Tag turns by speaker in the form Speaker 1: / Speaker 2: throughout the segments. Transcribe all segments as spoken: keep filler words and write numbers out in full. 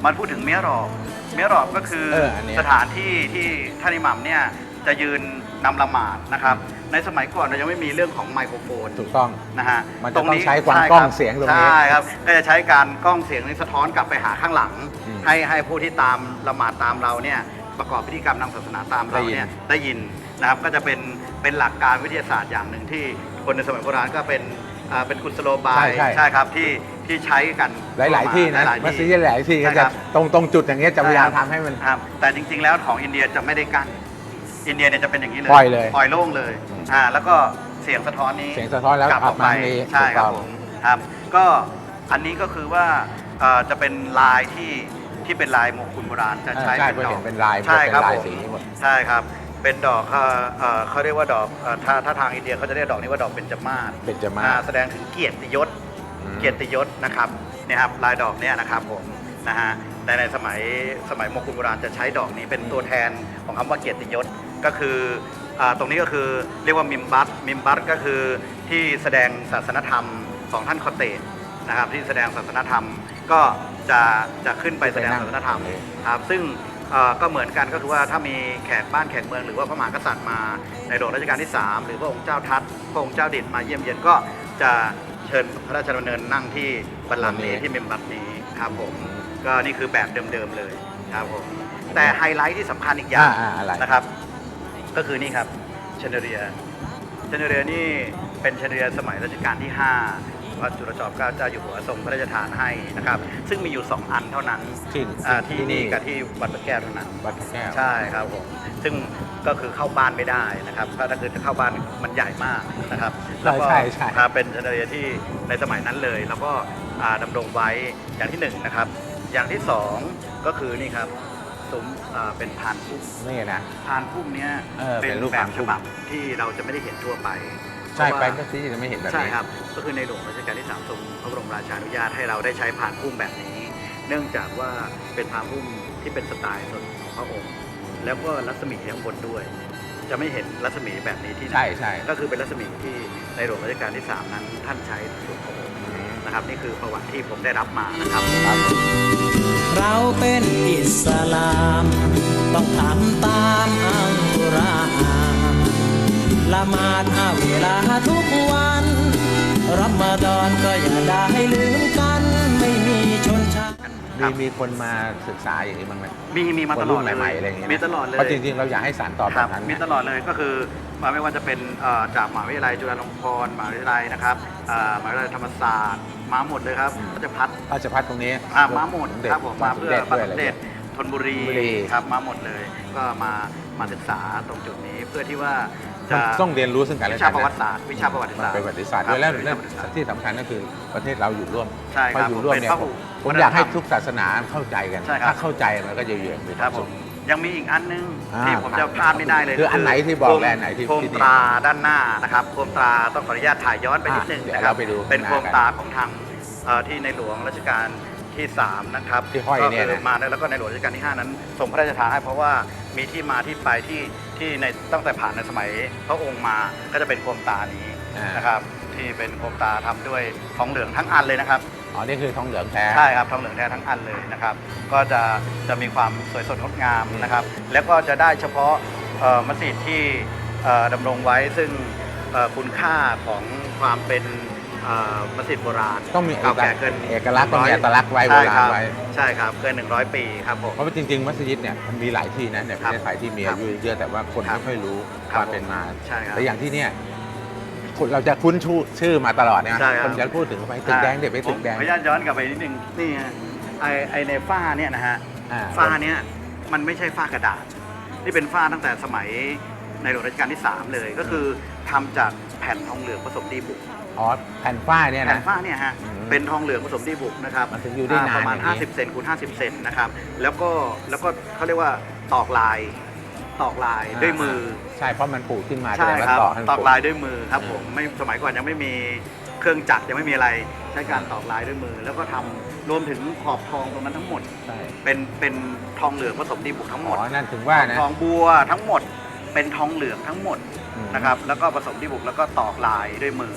Speaker 1: มันพูดถึงเมียรอบเมียรอบก็คือสถานที่ที่ท่านอิหมัมเนี่ยจะยืนนำละหมาดนะครับในสมัยก่อนเรายังไม่มีเรื่องของไมโครโฟน
Speaker 2: ถูกต้อง
Speaker 1: นะฮะ
Speaker 2: มันจะต้องใช้ความกล้องเสียงตรงนี้
Speaker 1: ใช่ครับก็จะใช้การกล้องเสียงนี้สะท้อนกลับไปหาข้างหลังให้ให้ผู้ที่ตามละหมาดตามเราเนี่ยประกอบพิธีกรรมทางศาสนาตามเราเนี่ยได้ยินนะครับก็จะเป็นเป็นหลักการวิทยาศาสตร์อย่างหนึ่งที่คนในสมัยโบราณก็เป็นเป็นกุศโลบายใช่ครับที่ที่ใช้กัน
Speaker 2: หลาย ๆ ที่นะมัสยิดหลายที่ก็จะตรงตรงจุดอย่างเงี้ยจะพยายามทำให้มัน
Speaker 1: แต่จริง ๆ แล้วของอินเดียจะไม่ได้กั้นอินเดียเนี่ยจะเป็นอย่างนี้เลย
Speaker 2: ปล่อยเลย
Speaker 1: ปล่อยโล่งเลยอ่าแล้วก็เสียงสะท้อนนี้
Speaker 2: เสียงสะท้อนแล้ว
Speaker 1: กลับออกไปใช่ครับผมครับก็อันนี้ก็คือว่าจะเป็นลายที่ที่เป็นลายมงคลโบราณจะใช้
Speaker 2: เป็นดอกเป็นลาย
Speaker 1: ใช่ครับ
Speaker 2: สีหมด
Speaker 1: ใช่ครับเป็นดอกเขาเรียกว่าดอกถ้าถ้าทางอินเดียเขาจะเรียกดอกนี้ว่าดอกเบญจมาศ
Speaker 2: เบญจมาศ
Speaker 1: แสดงถึงเกียรติยศเกียรติยศนะครับเนี่ยครับลายดอกเนี่ยนะครับผมนะฮะในในสมัยสมัยมงคลโบราณจะใช้ดอกนี้เป็นตัวแทนของคำว่าเกียรติยศก็คือตรงนี้ก็คือเรียกว่ามิมบัตมิมบัตก็คือที่แสดงศาสนธรรมของท่านคอเตสนะครับที่แสดงศาสนธรรมก็จะจะขึ้นไปแสดงศาสนธรรมครับซึ่งก็เหมือนกันก็คือว่าถ้ามีแขกบ้านแขกเมืองหรือว่าพระมหากษัตริย์มาในหลวงรัชกาลที่สามหรือพระองค์เจ้าทัตพระองค์เจ้าดิษฐ์มาเยี่ยมเยียนก็จะเชิญพระราชดำเนินนั่งที่บัลลังก์นี้ที่มิมบัตนี้ครับผมก็นี่คือแบบเดิมๆเลยครับผมแต่ไฮไลท์ที่สำคัญอีกอย่างนะครับก็คือนี่ครับเชนเดเรียเชนเดเรียนี่เป็นเชนเดเรียสมัยรัชกาลที่ห้าพระจุลจอมเกล้าเจ้าอยู่หัวทรงพระราชทานให้นะครับซึ่งมีอยู่สองอันเท่านั้นที่ที่นี่กับที่วัดพระแก้วเท่านั้น
Speaker 2: วัดพระแก้ว
Speaker 1: ใช่ครับผมซึ่งก็คือเข้าบ้านไม่ได้นะครับถ้าคือจะเข้าบ้านมันใหญ่มากนะครับ
Speaker 2: แล้วก็
Speaker 1: เป็นเชนเดเรียที่ในสมัยนั้นเลยแล้วก็ดำรงไว้อย่างที่หนึ่งนะครับอย่างที่สองก็คือนี่ครับซุ้มเป็นพานพุ่ม
Speaker 2: นี่นะ
Speaker 1: พานพุ่มเนี้ยเป็นแบบฉบับที่เราจะไม่ได้เห็นทั่วไป
Speaker 2: ใช่ไปก็ที่จะไม่เห็นแบบนี้
Speaker 1: ใช่ครับก็คือในหลวงรัชกาลที่สามทรงพระบรมราชานุญาตให้เราได้ใช้พานพุ่มแบบนี้เนื่องจากว่าเป็นพานพุ่มที่เป็นสไตล์ส่วนของพระองค์แล้วก็รัศมีข้างบนด้วยจะไม่เห็นรัศมีแบบนี้ที่ไหน
Speaker 2: ใช่ใช่
Speaker 1: ก็คือเป็นรัศมีที่ในหลวงรัชกาลที่สามนั้นท่านใช้ส่วนขององค์นะครับนี่คือประวัติที่ผมได้รับมานะครับ
Speaker 3: เราเป็นอิสลามต้องทำตามอัลกุรอานละหมาดห้าเวลาทุกวันรอมฎอนก็อย่าได้ลืมกันไม่มีชนชั้น
Speaker 2: มีมีคนมาศึกษาอย่างนี้บ้างไหม
Speaker 1: มีมีมาตลอดเลย
Speaker 2: ใหม่ๆอะไรอย่างเงี้ย
Speaker 1: มีตลอดเลย
Speaker 2: เพราะจริงๆเราอยากให้สานต่อแบบนั้น
Speaker 1: มีตลอดเลยก็คือมาไม่ว่าจะเป็นจากมหาวิทยาลัยจุฬาลงกรณ์มหาวิทยาลัยนะครับมหาวิทยาลัยธรรมศาสตร์มาหมดเลยครับราชภัฏ
Speaker 2: ราชภัฏตรงนี้
Speaker 1: มาหมดครับผมมาเพื่อพระสมเด็จธนบุรีครับมาหมดเลยก็มามาศึกษาตรงจุดนี้เพื่อที่ว่าจะ
Speaker 2: ต้องเรียนรู้ซึ่งกันและกัน
Speaker 1: วิชาประวัติศาสตร์วิชาประวัติศาสตร์
Speaker 2: ประวัติศาสตร์ด้วยแล้วที่สำคัญก็คือประเทศเราอยู่ร่วม
Speaker 1: ใช่ครับ
Speaker 2: อยู่ร่วมเนี่ยผมอยากให้ทุกศาสนาเข้าใจกันถ้าเข้าใจมันก็จะเยือน
Speaker 1: ครับผมยังมีอีกอันนึงที่ผมจะพลาดไม่ได้เลย
Speaker 2: คืออันไหนที่บอกและอันไหนที่
Speaker 1: โคมตราด้านหน้านะครับโคมตราต้องขออนุญาตถ่ายย้อนไปนิดนึงนะครับเป็นโคมตราของทางที่ในหลวงรัชกาลที่สามนะครับ
Speaker 2: ที่ห้อยเนี่ย
Speaker 1: มาแล้วก็ในหลวงรัชกาลที่ห้านั้นทรงพระราชทานให้เพราะว่ามีที่มาที่ไปที่ที่ในตั้งแต่ผ่านในสมัยพระองค์มาก็จะเป็นโคมตานี้นะครับที่เป็นโคมตาทำด้วยทองเหลืองทั้งอันเลยนะครับ
Speaker 2: อ๋อนี่คือทองเหลืองแท้
Speaker 1: ใช่ครับทองเหลืองแท้ทั้งอันเลยนะครับก็จะจะมีความสวยสดงดงามนะครับแล้วก็จะได้เฉพาะมัสยิดที่ดำรงไว้ซึ่งคุณค่าของความเป็นมัสยิดโบราณ
Speaker 2: ต้องมี
Speaker 1: เก่าแก่เกิน
Speaker 2: เอกลักษณ์ต้องมีอัตลักษณ์ไว้โบราณไว้
Speaker 1: ใช่ครับเกินหนึ่งร้อยปีครับผม
Speaker 2: เพราะว่าจริงๆมัสยิดเนี่ยมันมีหลายที่นะในประเทศไทยที่มีอายุเยอะแต่ว่าคนไม่ค่อยรู้ความเป็นมาแต่อย่างที่เนี่ยเราจะคุ้นชื่อมาตลอดเนี่ยคนจะพูดถึงไปตึกแดงเด็กไปตึกแดง
Speaker 1: ขออนุญาตย้อนกลับไปนิดนึงนี่ฮะไอไอในฝ้าเนี่ยนะฮะฝ้าเนี่ยมันไม่ใช่ฝ้ากระดาษนี่เป็นฝ้าตั้งแต่สมัยในหลวงรัชกาลที่สามเลยก็คือทำจากแผ่นทองเหลืองผสมดีบุก
Speaker 2: อ๋อแผ่นฝ้าเนี่ยนะ
Speaker 1: แผ่นฝ้าเนี่ยฮะเป็นทองเหลืองผสมดีบุกนะครับประมาณห้าสิบเซนคูณห้าสิบเซนนะครับแล้วก็แล้วก็เขาเรียกว่าตอกลายตอกลายด้วยมือ
Speaker 2: ใช่เพราะมันปูขึ้นมา
Speaker 1: ใช่ครับตอกลายด้วยมือครับผมไม่สมัยก่อนยังไม่มีเครื่องจักรยังไม่มีอะไรใช้การตอกลายด้วยมือแล้วก็ทำรวมถึงขอบทองตรงนั้นทั้งหมดเป็นเป็นทองเหลืองผสมดีบุกทั้งหมด
Speaker 2: อ๋อนั่นถึงว่านะ
Speaker 1: ทองบัวทั้งหมดเป็นทองเหลืองทั้งหมดนะครับแล้วก็ผสมดีบุกแล้วก็ตอกลายด้วยมือ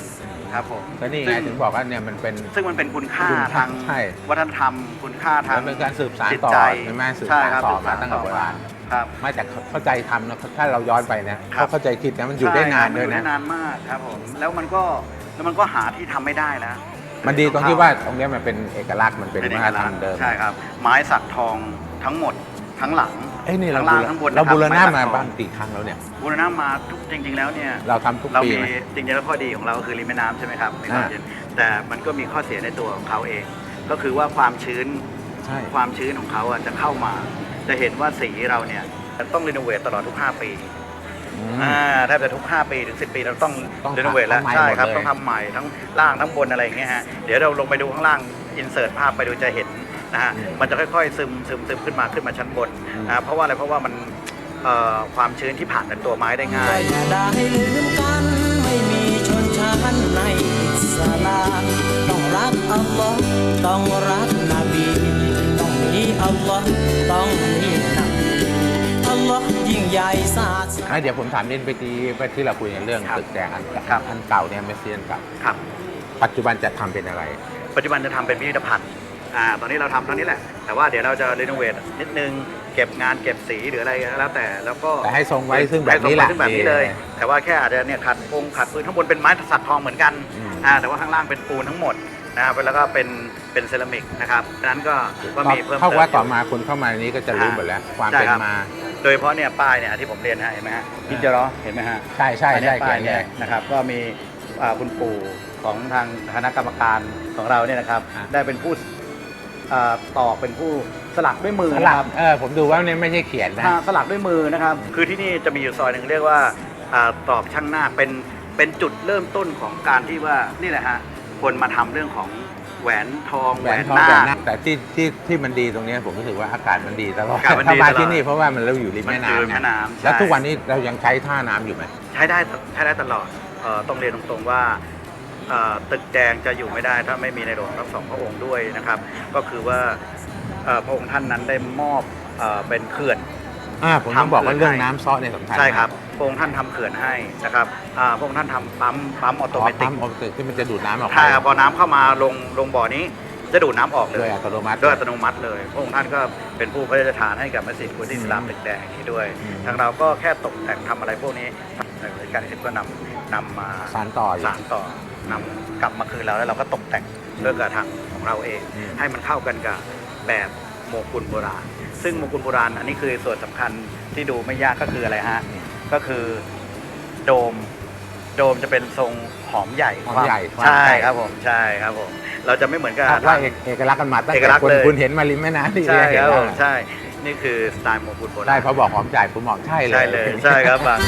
Speaker 1: ครับผม
Speaker 2: ก็นี่ไงถึงบอกว่าเนี่ยมันเป็น
Speaker 1: ซึ่งมันเป็นคุณค่า
Speaker 2: คุณค่า
Speaker 1: ทาง
Speaker 2: ใช่
Speaker 1: วัฒนธรรม คุณค่าทาง
Speaker 2: มันเป็นการสืบสาน
Speaker 1: จิต
Speaker 2: ต่อ
Speaker 1: ใจ
Speaker 2: ใช่ไหมสืบ
Speaker 1: ใช่
Speaker 2: สาน
Speaker 1: ครับ
Speaker 2: ต่อ
Speaker 1: สืบ
Speaker 2: มา
Speaker 1: สน
Speaker 2: ตั้งแต่โบราณ
Speaker 1: ครับ
Speaker 2: ไม่แต่เข้าใจทำนะถ้าเราย้อนไปนะ
Speaker 1: ครับ
Speaker 2: เขาเข้าใจคิดนะมันอยู่ได้นานด้วย
Speaker 1: ใช่ครับมัอยู่
Speaker 2: นะ
Speaker 1: ได้นานมากครับผมแล้วมันก็แล้วมันก็หาที่ทำไม่ได้แล้ว
Speaker 2: มันดีตรงที่ว่าตรงเนี้ยมันเป็นเอกลักษณ์มันเป็น
Speaker 1: เป็นเอ
Speaker 2: วั
Speaker 1: ก
Speaker 2: ฒนธร
Speaker 1: ลั
Speaker 2: ร
Speaker 1: ก
Speaker 2: ม
Speaker 1: ษณ์
Speaker 2: เดิม
Speaker 1: ใช่ครับ ไม้สักทองทั้งหมดทั้งหลัง
Speaker 2: เอ้ยนี่เรา
Speaker 1: ทั้งล่างทั้งบน
Speaker 2: เราบูรณะ
Speaker 1: นะครับ
Speaker 2: มา
Speaker 1: ไสักทอง
Speaker 2: บ้างกี่ครั้งแล้วเนี่ย
Speaker 1: บูรณะมาทุกจริง ๆ แล้วเนี่ย
Speaker 2: เราทำทุก
Speaker 1: เรา
Speaker 2: ปี
Speaker 1: มี
Speaker 2: ไหม
Speaker 1: จริงๆแล้วข้อดีของเราคือริมแม่น้ำใช่ไหมครับมีความ
Speaker 2: อ่า
Speaker 1: เย็นแต่มันก็มีข้อเสียในตัวของเขาเอง ก็คือว่าความชื้น
Speaker 2: ใช่
Speaker 1: ความชื้นของเขาอ่ะจะเข้ามา จะเห็นว่าสีเราเนี่ยต้องรีโนเวทตลอดทุก ห้า ปี
Speaker 2: อืม
Speaker 1: อ่าแทบจะทุก ห้า ปีถึง สิบ ปีเราต้อง
Speaker 2: ต้อง
Speaker 1: รีโนเวทแล้ว
Speaker 2: ทำใหม่
Speaker 1: ใช่ครับ
Speaker 2: หมดเลย
Speaker 1: ต้องทำใหม่ทั้งล่างทั้งบนอะไรอย่างเงี้ยฮะเดี๋ยวเราลงไปดูข้างล่างอินเสิร์ตภาพไปดูจะเห็นนะฮะมันจะค่อยๆซึมซึมซึมขึ้นมาขึ้นมาชั้นบนนะเพราะว่าอะไรเพราะว่ามันเอ่อความชื้นที่ผ่านในตัวไม้ได้ง่าย
Speaker 3: อย่าได้ลืมกันไม่มีชนชั้นในอิสลามต้องรักอัลลอฮ์ต้องรักนบีต้องมีอัลลอฮ์ต้องมีนบีอัลลอฮ์ยิ่งใหญ่ศาสนา
Speaker 2: อ่ะเดี๋ยวผมถามนิดไปที่ไปที่เราคุยกันเรื่อง
Speaker 1: ครับ
Speaker 2: ตึกแดงอัน
Speaker 1: ครับ
Speaker 2: อันเก่าเนี่ยเมสเซียนเก่า
Speaker 1: ครับ
Speaker 2: ปัจจุบันจะทำเป็นอะไร
Speaker 1: ปัจจุบันจะทำเป็นพิพิธภัณฑ์อ่าตอนนี้เราทำตอนนี้แหละ แต่ว่าเดี๋ยวเราจะรีโนเวทนิดนึงเก็บงานเก็บสีหรืออะไรก็แล้วแต่แล้วก็
Speaker 2: แต่ให้ทรงไว้ซึ่งแบบ
Speaker 1: ให้ทร
Speaker 2: นี้
Speaker 1: ง
Speaker 2: แห
Speaker 1: ไว้
Speaker 2: ละ
Speaker 1: ซึ่งแบบนี้เลย
Speaker 2: ดี
Speaker 1: แต่ว่าแค่อาจจะเนี่ยขัดองค์ขัดพื้นข้างบนเป็นไม้สักทองเหมือนกัน
Speaker 2: อืม
Speaker 1: อ่าแต่ว่าข้างล่างเป็นปูนทั้งหมดนะครับแล้วก็เป็นเป็นเซรามิกนะครับดังนั้นก็ก็มีเพิ่ม
Speaker 2: เท่า
Speaker 1: เติม
Speaker 2: ว่าต่อ
Speaker 1: อยู่
Speaker 2: มาคนเข้ามาในนี้ก็จะรู้หมดแล้ว ความ
Speaker 1: ใช่
Speaker 2: เป็น
Speaker 1: ครับ
Speaker 2: มา
Speaker 1: โดยเฉพาะเนี่ยป้ายเนี่ยที่ผมเรียนฮะเห็นไหมฮะพิจารอเห็นไหมฮะ
Speaker 2: ใช่ใช่
Speaker 1: อัน
Speaker 2: ใช่
Speaker 1: เนี้ยป้าย
Speaker 2: เขี
Speaker 1: เนี่ย
Speaker 2: น
Speaker 1: ยนะครับก็มีอ่าคุณปู่ของทางคณะกรรมการของเราเนี่ยนะครับ
Speaker 2: อ่า
Speaker 1: ได้เป็นผู้อ่าตอกเป็นผู้สลักด้วยมือ
Speaker 2: ส
Speaker 1: นะ
Speaker 2: ลั
Speaker 1: ค
Speaker 2: ก
Speaker 1: รับ
Speaker 2: เออผมดูว่าเนี่ยไม่ใช่เขียนนะ
Speaker 1: อ่าสลักด้วยมือนะครับ คือที่นี่จะมีอยู่ซอยหนึ่งเรียกว่าอ่าตอกช่างหน้าคเป็นเป็นจุดเริ่มต้นของการที่ว่านี่แหละฮะคนมาทำเรื่องของแหวนทอง
Speaker 2: แห
Speaker 1: แห
Speaker 2: ว
Speaker 1: วน น
Speaker 2: ทอง
Speaker 1: หน้า
Speaker 2: แหวน
Speaker 1: ค
Speaker 2: หน้าแต่ที่ที่ที่มันดีตรงเนี้ยผมรู้สึกว่าอากาศมันดีตลอด
Speaker 1: อากาศมันดี
Speaker 2: ถ้ามา
Speaker 1: ตลอด
Speaker 2: ที่นี่เพราะว่ามันเราอยู่ริม
Speaker 1: มัน
Speaker 2: แม่
Speaker 1: คือ
Speaker 2: น้ำไง
Speaker 1: แม่น้ำ
Speaker 2: แล้ว
Speaker 1: ใช่
Speaker 2: ทุกวันนี้เรายังใช้ท่าน้ำอยู่ไหม
Speaker 1: ใช้ได้ใช้ได้ตลอดเอ่อต้องเรียนตรงๆว่าเอ่อตึกแดงจะอยู่ไม่ได้ถ้าไม่มีในหลวงทั้งสองพระองค์ด้วยนะครับ ก็คือว่าเอ่อพระองค์ท่านนั้นได้มอบเอ่อเป็นเขื่อน
Speaker 2: อ่าผมต้องบอกว่าเรื่องน้ำซ้อเนี่ยสำคัญ
Speaker 1: ใช่ครับพระองค์ท่านทำเขื่อนให้นะครับอ่าพระองค์ท่านทำปั๊มปั๊มออโต
Speaker 2: ต่อ
Speaker 1: เมติ
Speaker 2: ปั๊
Speaker 1: ก
Speaker 2: มออโตที่มันจะดูดน้ำออกไป
Speaker 1: ใช่ครับพอน้ำเข้ามาลงลงบ่อนี้จะดูดน้ำออกเล
Speaker 2: โดย
Speaker 1: ย
Speaker 2: อัตโนมัติ
Speaker 1: ด้วยอัตโนมัติเลยพระองค์ท่านก็เป็นผู้พระราชทานให้กับมัสยิดกุลอิสลามตึกแดงนี้ด้วย
Speaker 2: อืม
Speaker 1: ทางเราก็แค่ตกแต่งทำอะไรพวกนี้ในบริการที่ก็นำนำมา
Speaker 2: สานต่ออยู่
Speaker 1: สานต่อนำกลับมาคืนเราแล้วเราก็ตกแต่งด้วยกระถางของเราเอง
Speaker 2: อืม
Speaker 1: ให้มันเข้ากันกับแบบโมกุลโบราณ ซึ่งโมกุลโบราณอันนี้คือส่วนสำคัญที่ดูไม่ยากก็คืออะไรฮะก็คือโดมโดมจะเป็นทรงหอมใหญ่
Speaker 2: หอมใหญ่
Speaker 1: ใช่ครับผมใช่ครับผมเราจะไม่เหมือนกับ
Speaker 2: คาดว่าเอกเอกลักษณ์กันมาตั้ง
Speaker 1: เอก
Speaker 2: แต่
Speaker 1: ลักษณ์
Speaker 2: คน
Speaker 1: เลย
Speaker 2: คุณเห็นมาริมแม่น้ำที่
Speaker 1: ใช่
Speaker 2: เห็
Speaker 1: คน รับ
Speaker 2: แล้
Speaker 1: ผ
Speaker 2: ว
Speaker 1: มใช่ นี่คือสไตล์โมกุลโบราณ
Speaker 2: ได้เพราะบอกหอมจ่ายผมบอกใช่เลย
Speaker 1: ใช่เลยใช่ครับบาง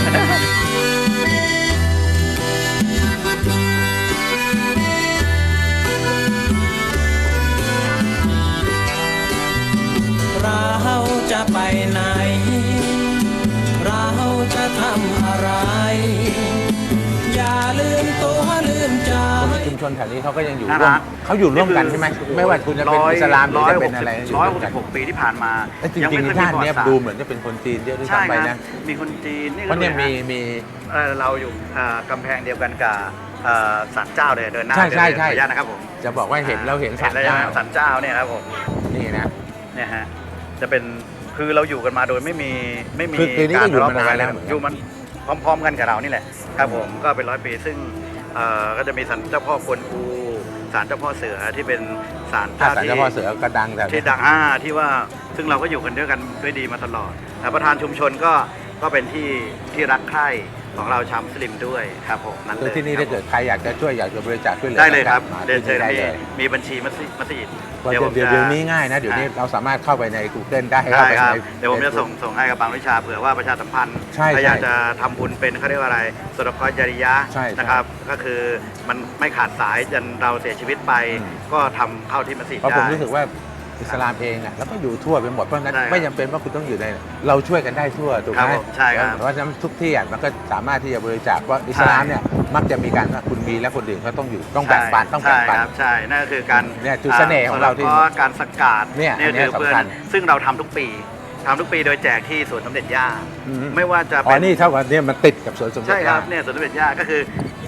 Speaker 3: เราจะไปไหน เราจะทำอะไร อย่าลืมตัวลืมใจ
Speaker 2: คนชุมชนแถวนี้เขาก็ยังอยู่
Speaker 1: น่า
Speaker 2: ร่ว
Speaker 1: รั
Speaker 2: ม
Speaker 1: ก
Speaker 2: เขาอยู่ร่วมกันใช่ไหมไม่ว่าคุณจะเป็นอิสลามหรือจะเป็นอะไร
Speaker 1: ร้อยห
Speaker 2: ร่ว
Speaker 1: ก
Speaker 2: ม
Speaker 1: สิ
Speaker 2: กัน
Speaker 1: บหกปีที่ผ่านมา
Speaker 2: แล้วจริง
Speaker 1: ไม่
Speaker 2: ๆ
Speaker 1: ค่อย
Speaker 2: ท่านเนี้ย
Speaker 1: ประวัติศสตร์
Speaker 2: ดูเหมือนจะเป็นคนจีนเยอะด้วย
Speaker 1: ใช่
Speaker 2: ซ้ำไป
Speaker 1: ครั
Speaker 2: นะ
Speaker 1: บมีคนจีนนี่
Speaker 2: เพราะเนี่ยมี
Speaker 1: ดูดิฮ
Speaker 2: มี
Speaker 1: เอ่อเราอยู่อ่ากำแพงเดียวกันกับเอ่อศาลเจ้าเลยเดินหน้า
Speaker 2: ใช่ใช่
Speaker 1: เดิน
Speaker 2: ใช่
Speaker 1: ขออนุญาตนะครับผม
Speaker 2: จะบอกว่าเห็นเราเห็นสัตว์
Speaker 1: แล้ว
Speaker 2: เจ้า
Speaker 1: ศาลเจ้าเนี่ยครับผม
Speaker 2: นี่นะ
Speaker 1: เนี่ยฮะจะเป็นคือเราอยู่กันมาโดยไม่มีไม่มี
Speaker 2: คือคือนี่ก็อยู่
Speaker 1: ร
Speaker 2: มานานแล้ว
Speaker 1: ทะเลาะอยู่มันพร้อม ๆ กันกับเรานี่แหละครับผมก็เป็นร้อยปีซึ่งเอ่อก็จะมีศาลเจ้าพ่อกวนอูศาลเจ้าพ่อเสือที่เป็นศาล
Speaker 2: ถ้า
Speaker 1: เจ้า
Speaker 2: สาร
Speaker 1: ที่
Speaker 2: เจ้าพ่อเสือก็ดังแต่
Speaker 1: ที่ดังอ่าที่ว่าซึ่งเราก็อยู่กันด้วยกันด้วยดีมาตลอดแต่ประธานชุมชนก็ก็เป็นที่ที่รักใคร่ของเราชาวมุสลิมด้วยครับผมนั่น
Speaker 2: คือ
Speaker 1: เลย
Speaker 2: ที่นี่ถ้าเกิดใครอยากจะช่วยอยากจะบริจาคช่วยเหลือ
Speaker 1: ได้เลยครับ
Speaker 2: มา
Speaker 1: เดินเชิ
Speaker 2: ที่
Speaker 1: ญ
Speaker 2: ได้
Speaker 1: มี
Speaker 2: เลย
Speaker 1: มีบัญชีมัสยิดมัสยิด
Speaker 2: เพราะเดี๋ยว
Speaker 1: ผม
Speaker 2: เดี๋ยว
Speaker 1: จะ
Speaker 2: เดี๋ยวนี้ง่ายนะเดี๋ยวนี้
Speaker 1: อ่ะ
Speaker 2: เราสามารถเข้าไปใน Google ได้
Speaker 1: ได้
Speaker 2: เข้าไป
Speaker 1: ครับ
Speaker 2: ใน
Speaker 1: เดี๋ยวผมจะส่งส่งให้กับบางวิชาเผื่อว่าประชาสัมพันธ์
Speaker 2: ใช่
Speaker 1: ถ้าอยาก
Speaker 2: ใช่
Speaker 1: จะทำบุญเป็นเขาเรียกว่าอะไรสดกจริยะ
Speaker 2: ใช่ใช่
Speaker 1: นะครับก็คือมันไม่ขาดสายจนเราเสียชีวิตไป
Speaker 2: อืม
Speaker 1: ก็ทำเข้าที่มัสยิด
Speaker 2: เพราะผม
Speaker 1: ได้
Speaker 2: รู้สึกว่าอิสลามเองอ่ะแล้วก็อยู่ทั่วไปหมดเพราะฉะนั้น
Speaker 1: ใช่ครับ
Speaker 2: ไม่จำเป็นว่าคุณต้องอยู่ในเราช่วยกันได้ทั่วถูก
Speaker 1: ครั
Speaker 2: ไห
Speaker 1: บ
Speaker 2: ม
Speaker 1: ผมใช่ครับ
Speaker 2: เพราะฉะนั้นทุกที่อ่ะมันก็สามารถที่จะบริจาคเพราะอิสลามเนี่ยมักจะมีการว่าคุณมีและคนอื่นเขาต้องอยู่ต้องแบ่งปันต้องแบ่งปัน
Speaker 1: ใช่ครับใช่นั่นก็คือการ
Speaker 2: เนี่ยจุดเสน่ห์ของเราที่
Speaker 1: สงคะห์การสกัด
Speaker 2: เนี่ยอันเนี้ย
Speaker 1: คือเพื่อ
Speaker 2: สำคัญ
Speaker 1: ซึ่งเราทำทุกปีทำทุกปีโดยแจกที่สวนสมเด็จย่า
Speaker 2: อืม
Speaker 1: ไม่ว่าจะ
Speaker 2: อ๋
Speaker 1: เป็
Speaker 2: อน นี่เท่ากับเนี่ยมันติดกับสวนสมเด็จ
Speaker 1: ใช่ครับ
Speaker 2: ย่า
Speaker 1: เนี่ยสวนสมเด็จย่าก็คือ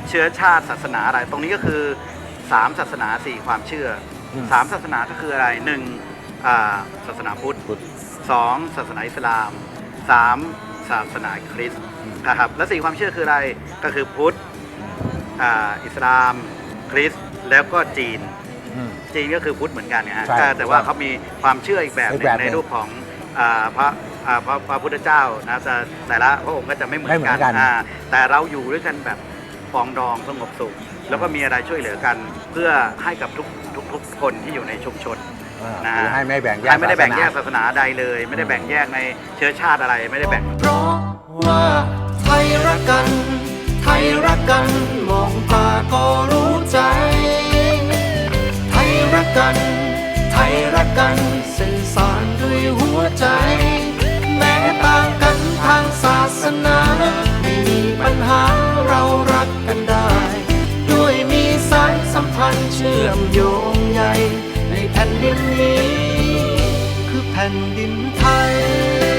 Speaker 1: เชื้อชาติศาสนาอะไร ตรงนี้ก็คือสามศาสนาสี่ความเชื่ออ
Speaker 2: ม
Speaker 1: สามศาสนาก็คืออะไรหนึ่งอ่าศาสนาพุทธ
Speaker 2: พุทธ
Speaker 1: สองศาสนาอิสลามสามศาสนาคริสต์
Speaker 2: อืม
Speaker 1: นะครับและสี่ความเชื่อคืออะไรก็คือพุทธอ่าอิสลามคริสต์แล้วก็จีน
Speaker 2: อืม
Speaker 1: จีนก็คือพุทธเหมือนกันเนี่ยฮะ
Speaker 2: ใช่
Speaker 1: แต่แต่ว่าเขามีความเชื่ออีกแบบห
Speaker 2: อี
Speaker 1: นึ
Speaker 2: ก
Speaker 1: ง
Speaker 2: แบบหนึ่
Speaker 1: ใน
Speaker 2: ง
Speaker 1: รูปของอ่าพระอ่าพระพระพุทธเจ้านะแต่แต่ละพระองค์ก็จะไม่เหมือน
Speaker 2: ไม่เหมื
Speaker 1: กั
Speaker 2: อน นกัน
Speaker 1: อ่าแต่เราอยู่ด้วยกันแบบปรองดองสงบสุข แล้วก็มีอะไรช่วยเหลือกัน เพื่อให้กับทุกทุกทุกคนที่อยู่ในชุมชน
Speaker 2: อ่า
Speaker 1: นะ
Speaker 2: คือให้ไม่แบ่งแยก
Speaker 1: ให้ไม่ได้แบ่งแยก
Speaker 2: ศาสนา
Speaker 1: ศาสนาใดเลย ไม่ได้แบ่งแยกในเชื้อชาติอะไรไม่ได้แบ่ง
Speaker 3: เพราะว่าไทยรักกัน ไทยรักกัน มองตาก็รู้ใจ ไทยรักกัน ไทยรักกันสื่อสารด้วยหัวใจ แม้ต่างกันทางศาสนาไม่มีปัญหาเรารักกันได้ ด้วยมีสายสัมพันธ์เชื่อมโยงใยในแผ่นดินนี้ คือแผ่นดินไทย